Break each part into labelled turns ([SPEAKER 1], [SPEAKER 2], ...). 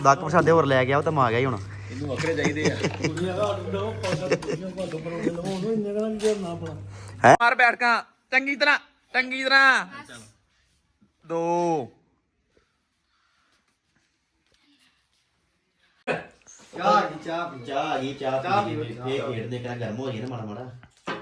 [SPEAKER 1] ਦਾਕ ਪ੍ਰਸ਼ਾਦੇ ਹੋਰ ਲੈ ਗਿਆ ਉਹ ਤਾਂ ਮਾ ਗਿਆ ਹੀ ਹੁਣ
[SPEAKER 2] ਇਹਨੂੰ ਵੱਖਰੇ ਚਾਹੀਦੇ ਆ
[SPEAKER 1] ਹੈ
[SPEAKER 2] ਮਾਰ ਬੈਠ ਕੇ ਚੰਗੀ ਤਰ੍ਹਾਂ 2
[SPEAKER 1] ਚਾਹ ਪੀ ਇਹ ਖੇਡਦੇ ਕਰਾਂ ਗਰਮ ਹੋ ਜਾਏ ਨਾ ਮਾੜਾ ਮਾੜਾ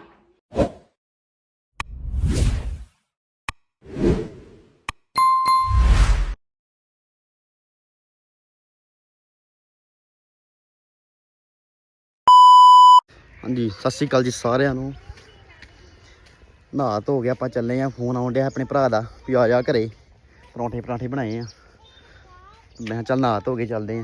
[SPEAKER 1] ਹਾਂਜੀ ਸਤਿ ਸ਼੍ਰੀ ਅਕਾਲ ਜੀ ਸਾਰਿਆਂ ਨੂੰ। ਨਹਾ ਧੋ ਗਿਆ ਆਪਾਂ ਚੱਲੇ ਆ। ਫੋਨ ਆਉਣ ਡਿਆ ਆਪਣੇ ਭਰਾ ਦਾ ਵੀ ਆ ਜਾ ਘਰੇ ਪਰੌਂਠੇ ਬਣਾਏ ਆ। ਮੈਂ ਕਿਹਾ ਚੱਲ ਨਹਾ ਧੋ ਕੇ ਚੱਲਦੇ ਆ।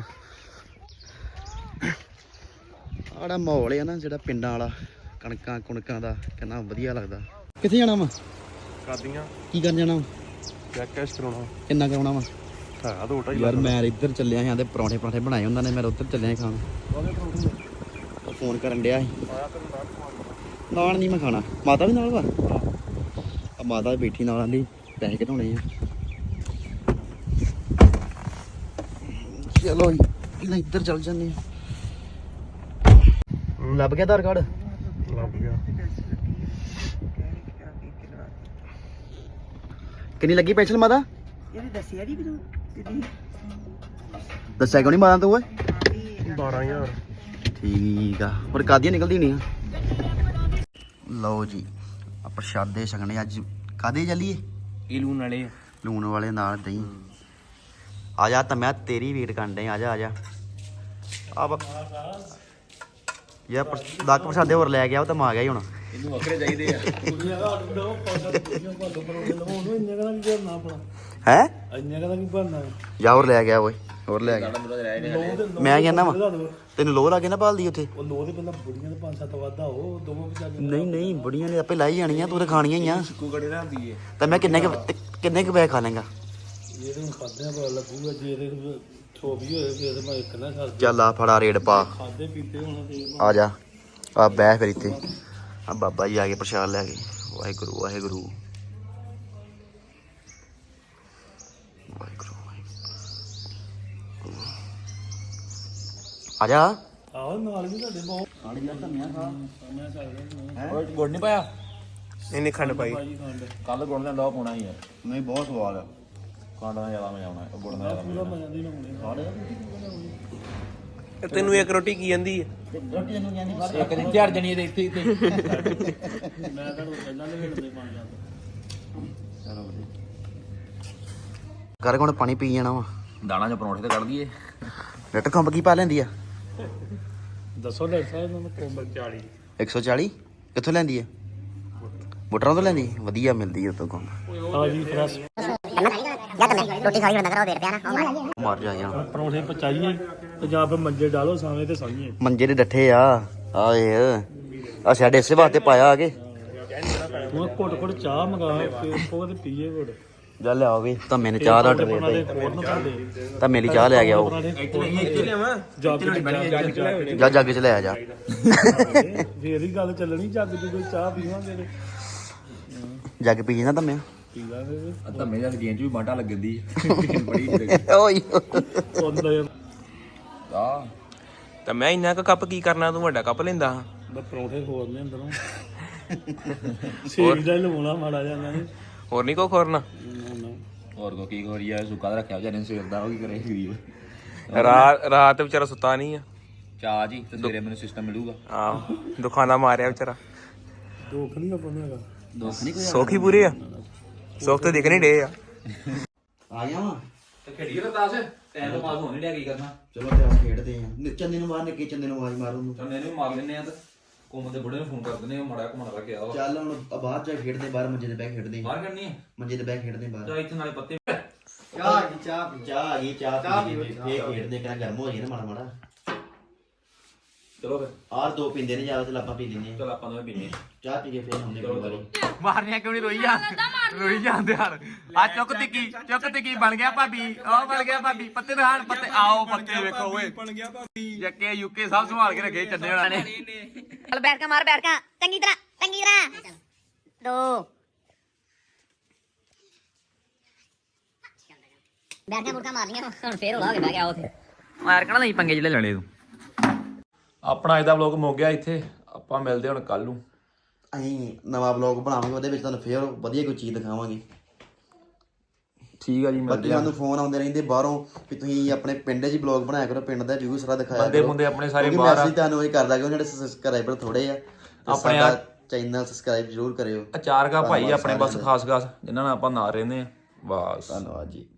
[SPEAKER 1] ਆੜਾ ਮਾਹੌਲ ਆ ਨਾ ਜਿਹੜਾ ਪਿੰਡਾਂ ਵਾਲਾ ਕਣਕਾਂ ਕੁਣਕਾਂ ਦਾ ਕਿੰਨਾ ਵਧੀਆ ਲੱਗਦਾ। ਕਿੱਥੇ ਜਾਣਾ ਵਾ?
[SPEAKER 3] ਕਾਦੀਆਂ
[SPEAKER 1] ਕੀ ਕਰਨ ਜਾਣਾ ਵਾ?
[SPEAKER 3] ਚੈੱਕ ਕੈਸ਼ ਕਰਾਉਣਾ
[SPEAKER 1] ਕਿੰਨਾ ਕਰਾਉਣਾ ਵਾ?
[SPEAKER 3] ਹੈ 2.5
[SPEAKER 1] ਯਾਰ ਮੈਂ ਇੱਧਰ ਚੱਲਿਆ ਸੀ ਤੇ ਪਰੌਂਠੇ ਬਣਾਏ ਉਹਨਾਂ ਨੇ। ਮੈਂ ਉੱਧਰ ਚੱਲਿਆ ਖਾਣ। ਫੋਨ ਕਰਨ ਡਿਆ ਸੀ। ਨਾਨ ਨਹੀਂ ਮੈਂ ਖਾਣਾ। ਮਾਤਾ ਵੀ ਨਾਲ ਵਾ? ਆ ਮਾਤਾ ਵੀ ਬੈਠੀ ਨਾਲ ਆਂਦੀ ਪੈਸੇ ਘਟਾਉਣੇ ਆ। ਚਲੋ ਇਹਨਾਂ ਇੱਧਰ ਚੱਲ ਜਾਂਦੇ ਆ। ਲੱਭ ਗਿਆ ਆਧਾਰ ਕਾਰਡ?
[SPEAKER 3] ਲੱਭ ਗਿਆ।
[SPEAKER 1] ਕਿੰਨੀ ਲੱਗੀ ਪੈਨਸ਼ਨ ਮਾਤਾ?
[SPEAKER 4] ਇਹਨੇ ਦੱਸਿਆ ਨਹੀਂ ਮੈਨੂੰ ਕਿੰਨੀ
[SPEAKER 1] ਦੱਸਿਆ ਕਿਉਂ ਨਹੀਂ ਮਾਤਾ ਤੂੰ ਓਏ?
[SPEAKER 3] 12000
[SPEAKER 1] ਠੀਕ ਆ। ਪਰ ਕਾਦੀਆਂ ਨਿਕਲਦੀ ਨਹੀਂ ਆ। ਲਓ ਜੀ ਆ ਪ੍ਰਸ਼ਾਦੇ ਛਕਣੇ ਅੱਜ। ਕਾਦੇ ਚੱਲੀਏ?
[SPEAKER 2] ਇਹ ਲੂਣ
[SPEAKER 1] ਵਾਲੇ ਨਾਲ ਦਹੀਂ। ਆ ਜਾ ਤਾਂ ਮੈਂ ਤੇਰੀ ਵੇਟ ਕਰਨ ਡਿਆ। ਆ ਜਾ ਆ ਯਾਰ ਦਾਕ ਪ੍ਰਸ਼ਾਦੇ ਹੋਰ ਲੈ ਗਿਆ ਉਹ ਤਾਂ ਮਾ ਗਿਆ ਹੀ ਹੁਣ।
[SPEAKER 2] ਇਹਨੂੰ ਵੱਖਰੇ ਚਾਹੀਦੇ ਆ
[SPEAKER 1] ਹੈ ਜਾ ਹੋਰ ਲੈ ਗਿਆ ਓਏ। ਹੋਰ ਲੈ ਗਿਆ। ਮੈਂ ਕਹਿੰਦਾ ਵਾ ਤੈਨੂੰ ਲੋਹ ਲਾ ਕੇ ਨਾ ਭਾਲਦੀ ਉੱਥੇ। ਨਹੀਂ ਬੁੜੀਆਂ ਨੇ ਆਪੇ ਲਾਈ ਜਾਣੀਆਂ। ਤੂੰ ਤਾਂ ਖਾਣੀਆਂ ਹੀ ਆ।
[SPEAKER 2] ਕੁਕੜੇ ਰੱਖਦੀ ਏ
[SPEAKER 1] ਤਾਂ ਮੈਂ ਕਿੰਨੇ ਕੁ ਪੈਸੇ ਖਾ ਲੇਗਾ? ਚੱਲ ਆ ਫੜਾ ਰੇਡ ਪਾ। ਆ ਜਾ ਆ ਬਹਿ ਫਿਰ ਇੱਥੇ। ਆ ਬਾਬਾ ਜੀ ਆ ਗਏ ਪ੍ਰਸ਼ਾਦ ਲੈ ਕੇ। ਵਾਹਿਗੁਰੂ ਵਾਹਿਗੁਰੂ ਵਾਹਿਗੁਰੂ। ਆ ਜਾ।
[SPEAKER 4] ਆਹ ਨਾਲ ਵੀ ਤੁਹਾਡੇ ਬਹੁਤ
[SPEAKER 2] ਗੁੜ ਨਹੀਂ ਪਾਇਆ?
[SPEAKER 3] ਇਹਨੇ ਖੰਡ ਪਾਈ।
[SPEAKER 2] ਕੱਲ ਗੁੜ ਦਾ ਡਾਹ ਪਾਉਣਾ ਹੀ ਯਾਰ।
[SPEAKER 1] ਨਹੀਂ ਬਹੁਤ ਸਵਾਦ ਆ।
[SPEAKER 2] ਖੰਡ ਦਾ ਜ਼ਿਆਦਾ ਮਜ਼ਾ ਆਉਣਾ ਗੁੜ ਦਾ ਜ਼ਿਆਦਾ ਮਜ਼ਾ ਆਉਣਾ।
[SPEAKER 3] ਤੈਨੂੰ ਇੱਕ ਰੋਟੀ ਕੀ ਜਾਂਦੀ ਹੈ?
[SPEAKER 2] ਇੱਕ ਦਿਨ ਝੜ ਜਣੀ ਇਹਦੇ ਇੱਥੇ
[SPEAKER 4] ਮੈਂ ਤੁਹਾਨੂੰ ਪਹਿਲਾਂ ਦੇ ਵੇਲੇ ਪਾ ਜਾਂਦਾ
[SPEAKER 1] ਕਰ ਕੋਣ ਪਾਣੀ ਪੀ ਜਾਣਾ ਵਾ।
[SPEAKER 2] ਦਾਣਾ ਚ ਪਰੌਂਠੇ ਤੇ ਕੱਢ ਦਈਏ।
[SPEAKER 1] ਲੱਟ ਖੰਬ ਕੀ ਪਾ ਲੈਂਦੀ ਆ?
[SPEAKER 4] ਦੱਸੋ ਡਾਕਟਰ ਸਾਹਿਬ ਨੂੰ ਕੋਮਲ 40
[SPEAKER 1] 140 ਕਿੱਥੋਂ ਲੈਂਦੀ ਆ? ਬੁੱਟਰਾਂ ਤੋਂ ਲੈਂਦੀ? ਵਧੀਆ ਮਿਲਦੀ ਉਤੋਂ ਕੋਲ।
[SPEAKER 4] ਹਾਂ ਜੀ ਫਰੈਸ਼
[SPEAKER 5] ਰੋਟੀ ਖਾਈ ਖੜਾ ਕਰੋ ਦੇ ਪਿਆ ਨਾ
[SPEAKER 1] ਮਰ ਜਾ ਯਾਰ।
[SPEAKER 4] ਪਰੌਂਠੇ ਪਚਾਈਏ ਤੇ ਜਾਂ ਫਿਰ ਮੰਜੇ ਡਾਲੋ ਸਾਵੇਂ ਤੇ ਸਾਈਏ।
[SPEAKER 1] ਮੰਜੇ ਦੇ ਡੱਠੇ ਆ। ਆਏ ਆ ਸਾਡੇ ਇਸੇ ਵਾਸਤੇ ਪਾਇਆ ਆ ਕੇ।
[SPEAKER 4] ਹੁਣ ਘੁੱਟ ਚਾਹ ਮੰਗਾ ਕੇ ਉਹ ਤੇ ਪੀਏ ਘੁੱਟ।
[SPEAKER 1] ਜਾ ਲਿਆਓ ਵੀ ਤਾਂ ਮੈਨੂੰ ਚਾਹ ਦਾ ਆਰਡਰ ਦੇ ਦੇ। ਤਾਂ ਮੇਰੀ ਚਾਹ ਲੈ ਗਿਆ ਉਹ। ਜਾ ਜੱਗ ਚ ਲੈ ਆ ਜਾ।
[SPEAKER 4] ਫੇਰ ਹੀ ਗੱਲ ਚੱਲਣੀ। ਜੱਗ ਚ ਕੋਈ ਚਾਹ ਪੀਵਾਂਗੇ ਤੇ
[SPEAKER 1] ਜੱਗ ਪੀ ਨਾ ਤਾਂ ਮੈਂ
[SPEAKER 4] ਪੀ ਲਾਂਗੇ।
[SPEAKER 2] ਧੰਮੇ ਜਾਂ ਗੇਂਜ ਵੀ ਬਾਂਟਾ ਲੱਗਦੀ ਬੜੀ
[SPEAKER 1] ਓਏ
[SPEAKER 2] ਆ
[SPEAKER 3] ਤਾਂ ਮੈਂ ਇੰਨਾ ਕੁ ਕੱਪ ਕੀ ਕਰਨਾ? ਤੂੰ ਵੱਡਾ ਕੱਪ ਲੈਂਦਾ।
[SPEAKER 4] ਮੈਂ ਪਰੌਂਠੇ ਖੋਲਨੇ ਅੰਦਰੋਂ ਸੇਕ ਦਾ ਲਵਾਉਣਾ ਮਾੜਾ ਜਾਂਦਾ ਨਹੀਂ।
[SPEAKER 3] ਹੋਰ ਨਹੀਂ ਕੋ ਖੋਰਨਾ?
[SPEAKER 2] ਹੋਰ ਕੋ ਕੀ ਖੋਰੀ ਆ? ਸੁੱਕਾ ਤਾਂ ਰੱਖਿਆ ਵਿਚਾਰੇ ਨੇ ਸਵੇਰ ਦਾ। ਉਹ ਕੀ ਕਰੇ ਗਰੀਬ।
[SPEAKER 3] ਰਾਤ ਵਿਚਾਰਾ ਸੁੱਤਾ ਨਹੀਂ ਆ।
[SPEAKER 2] ਚਾਹ ਜੀ ਤੇ ਸਵੇਰੇ ਮੈਨੂੰ ਸਿਸਟਮ ਮਿਲੂਗਾ।
[SPEAKER 3] ਆਹੋ ਦੁਖਾਨਾ ਮਾਰਿਆ ਵਿਚਾਰਾ।
[SPEAKER 4] ਦੁੱਖ ਨਹੀਂ ਆਪਾਂ ਨੂੰ ਹੈਗਾ।
[SPEAKER 1] ਦੋਸਤ ਨਹੀਂ ਕੋਈ
[SPEAKER 3] ਸੌਖੀ ਪੂਰੇ ਆ। ਸੁੱਖ ਤੇ ਦਿਖ ਨਹੀਂ ਡੇ ਆ।
[SPEAKER 1] ਆ ਗਿਆ ਵਾ।
[SPEAKER 2] ਤੇ ਖੇਡੀ ਰਤਾਸ ਟਾਈਮ ਤਾਂ ਪਾਸ ਹੋਣ ਨਹੀਂ ਡਿਆ। ਕੀ ਕਰਨਾ?
[SPEAKER 1] ਚਲੋ ਤੇ ਆ ਖੇਡਦੇ ਆ। ਚੰਨੇ ਨੂੰ ਮਾਰ ਨਿੱਕੇ ਚੰਨੇ ਨੂੰ ਆਵਾਜ਼ ਮਾਰ ਉਹਨੂੰ।
[SPEAKER 2] ਚੰਨੇ ਨੂੰ ਮਾਰ ਲੈਨੇ ਆ ਤੇ ਕੋਮ ਦੇ ਬੁੱਢੇ ਨੂੰ ਫੋਨ ਕਰ ਦਿੰਦੇ ਆ। ਮੜਾ ਘੁੰਮਣ ਲੱਗ ਗਿਆ ਵਾ।
[SPEAKER 1] ਚੱਲ ਹੁਣ ਬਾਹਰ ਜਾ ਖੇਡਦੇ। ਬਾਹਰ ਮੰਜੇ ਤੇ ਬਹਿ ਖੇਡਦੇ।
[SPEAKER 2] ਬਾਹਰ ਕਰਨੀ ਹੈ
[SPEAKER 1] ਮੰਜੇ ਤੇ ਬਹਿ ਖੇਡਦੇ ਬਾਹਰ।
[SPEAKER 2] ਜਾਂ ਇੱਥੇ ਨਾਲੇ ਪੱਤੇ।
[SPEAKER 1] ਚਾਹ ਆ ਗਈ। ਚਾਹ ਪੀ ਇਹ ਖੇਡਦੇ ਕਿਹੜਾ ਗਰਮ ਹੋ ਜਾਏ ਨਾ ਮਾੜਾ ਮਾੜਾ।
[SPEAKER 2] ਚਲੋ ਫਿਰ
[SPEAKER 1] ਆਰ ਦੋ ਪੀਂਦੇ ਨੇ ਜ਼ਿਆਦਾ ਤੇ ਆਪਾਂ ਪੀ ਲੈਂਦੇ ਆ।
[SPEAKER 2] ਚਲ ਆਪਾਂ ਦੋਵੇਂ ਪੀਨੇ।
[SPEAKER 1] ਚਾਹ ਪੀ ਕੇ ਫੇਰ ਹੁੰਦੇ ਕੋਈ ਵਾਰੀ।
[SPEAKER 3] ਮਾਰਨੀਆਂ ਕਿਉਂ ਨਹੀਂ ਰੋਈ ਜਾਂਦੇ ਯਾਰ। ਆ ਚੁੱਕ ਤਿੱਕੀ ਬਣ ਗਿਆ ਭਾਬੀ। ਉਹ ਬਣ ਗਿਆ ਭਾਬੀ। ਪੱਤੇ ਦਿਖਾਣ ਪੱਤੇ। ਆਓ ਪੱਤੇ ਵੇਖੋ ਓਏ। ਬਣ ਗਿਆ ਭਾਬੀ। ਜੱਕੇ ਯੂਕੇ ਸਭ ਸੰਭਾਲ ਕੇ ਰੱਖੇ ਚੰਨੇ ਹੋਣਾ ਨੇ।
[SPEAKER 5] ਚਲ ਬੈਠ ਕੇ ਮਾਰ ਬੈਠ ਕੇ ਚੰਗੀ ਤਰ੍ਹਾਂ 2 ਬੈਠ ਕੇ ਮੁਰਕਾ ਮਾਰਨੀਆਂ ਹੁਣ ਫੇਰ ਹੋਲਾ ਹੋ ਕੇ ਬਹਿ ਗਿਆ ਉੱਥੇ।
[SPEAKER 3] ਐਰਕਾਂ ਨਹੀਂ ਪੰਗੇ ਜਿਹੜੇ ਲੈਣੇ ਤੂੰ। ਆਪਣਾ ਅੱਜ ਦਾ ਵਲੌਗ ਮੁੱਕ ਗਿਆ ਇੱਥੇ, ਆਪਾਂ ਮਿਲਦੇ ਹੁਣ ਕੱਲ ਨੂੰ।
[SPEAKER 1] ਅਸੀਂ ਨਵਾਂ ਵਲੌਗ ਬਣਾਵਾਂਗੇ, ਉਹਦੇ ਵਿੱਚ ਤੁਹਾਨੂੰ ਫੇਰ ਵਧੀਆ ਕੋਈ ਚੀਜ਼ ਦਿਖਾਵਾਂਗੇ।
[SPEAKER 3] ਠੀਕ ਆ ਜੀ,
[SPEAKER 1] ਬਾਕੀ ਸਾਨੂੰ ਫੋਨ ਆਉਂਦੇ ਰਹਿੰਦੇ ਬਾਹਰੋਂ ਵੀ ਤੁਸੀਂ ਆਪਣੇ ਪਿੰਡ 'ਚ ਹੀ ਵਲੌਗ ਬਣਾਇਆ ਕਰੋ, ਪਿੰਡ ਦਾ ਵਿਊ ਸਾਰਾ ਦਿਖਾਇਆ
[SPEAKER 3] ਬੰਦੇ
[SPEAKER 1] ਕਰੋ।
[SPEAKER 3] ਬੰਦੇ ਆਪਣੇ ਸਾਰੇ
[SPEAKER 1] ਕਿਉਂਕਿ
[SPEAKER 3] ਬਾਹਰ ਆ।
[SPEAKER 1] ਮੈਸੇਜ ਤੁਹਾਨੂੰ ਇਹ ਕਰਦਾ ਕਿ ਜਿਹੜੇ ਸਬਸਕ੍ਰਾਈਬਰ ਥੋੜੇ ਆ,
[SPEAKER 3] ਆਪਣੇ
[SPEAKER 1] ਆਪਣਾ ਚੈਨਲ ਸਬਸਕ੍ਰਾਈਬ ਜ਼ਰੂਰ ਕਰਿਓ।
[SPEAKER 3] ਅਚਾਰ ਕਾ ਭਾਈ ਆਪਣੇ ਬਸ ਖਾਸ ਜਿਨ੍ਹਾਂ ਨਾਲ ਆਪਾਂ ਨਾਲ ਰਹਿੰਦੇ ਆ ਬਸ।
[SPEAKER 1] ਧੰਨਵਾਦ ਜੀ।